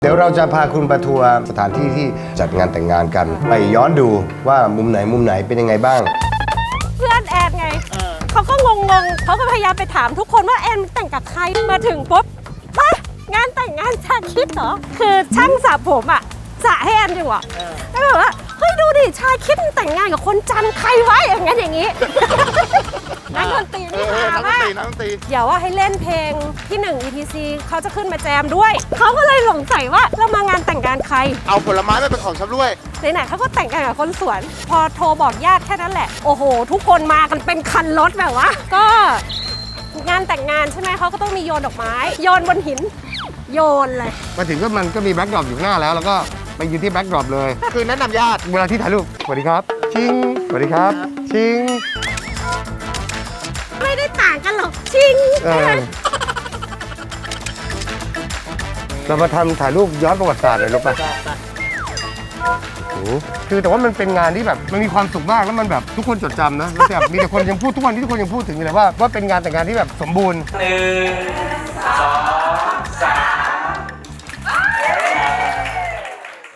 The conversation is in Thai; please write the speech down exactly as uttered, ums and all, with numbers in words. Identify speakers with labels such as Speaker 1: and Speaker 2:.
Speaker 1: เดี๋ยวเราจะพาคุณไปทัวร์สถานที่ที่จัดงานแต่งงานกันไปย้อนดูว่ามุมไหนมุมไหนเป็นยังไงบ้าง
Speaker 2: เพื่อนแอนไงเขาก็งงๆเขาก็พยายามไปถามทุกคนว่าแอนแต่งกับใครมาถึงปุ๊บฮะงานแต่งงานชาคิดเหรอคือช่างสระผมอ่ะสระให้แอนอยู่อ่ะแล้วแบบว่าเฮ้ยดูดิชาคิดแต่งงานกับคนจันใครวะอย่างงั้นอย่างงี้นักดนตรีนี่หามากเดี๋ยวว่าให้เล่นเพลงที่หนึ่ง อี ที ซี เขาจะขึ้นมาแจมด้วยเขาก็เลยสงสัยว่าเรามางานแต่งงานใคร
Speaker 3: เอาผลไม้มาเป็นของชำร่วย
Speaker 2: ไหนๆเขาก็แต่งกันกับคนสวนพอโทรบอกญาติแค่นั้นแหละโอ้โหทุกคนมากันเป็นคันรถแบบว่าก็งานแต่งงานใช่ไหมเขาก็ต้องมีโยนดอกไม้โยนบนหินโยนเลย
Speaker 1: มาถึงก็มันก็มีแบ็คดรอปอยู่หน้าแล้วแล้วก็ไปยืนที่แบ็คดรอปเลย
Speaker 3: คือแนะนำญาติ
Speaker 1: เวลาที่ถ่ายรูปสวัสดีครับชิงสวัสดีครับชิง
Speaker 2: ไม่ได้ต่างกันหรอกชิง
Speaker 1: เรามาทำถ่ายรูปย้อนประวัติศาสตร์เลยรู้ป่ะคือแต่ว่ามันเป็นงานที่แบบมันมีความสุขมากแล้วมันแบบทุกคนจดจำนะแล้วแบบมีแต่คนยังพูดทุกวันที่ทุกคนยังพูดถึงอยู่เลยว่าว่าเป็นงานแต่งงานที่แบบสมบูรณ์หนึ่งสอง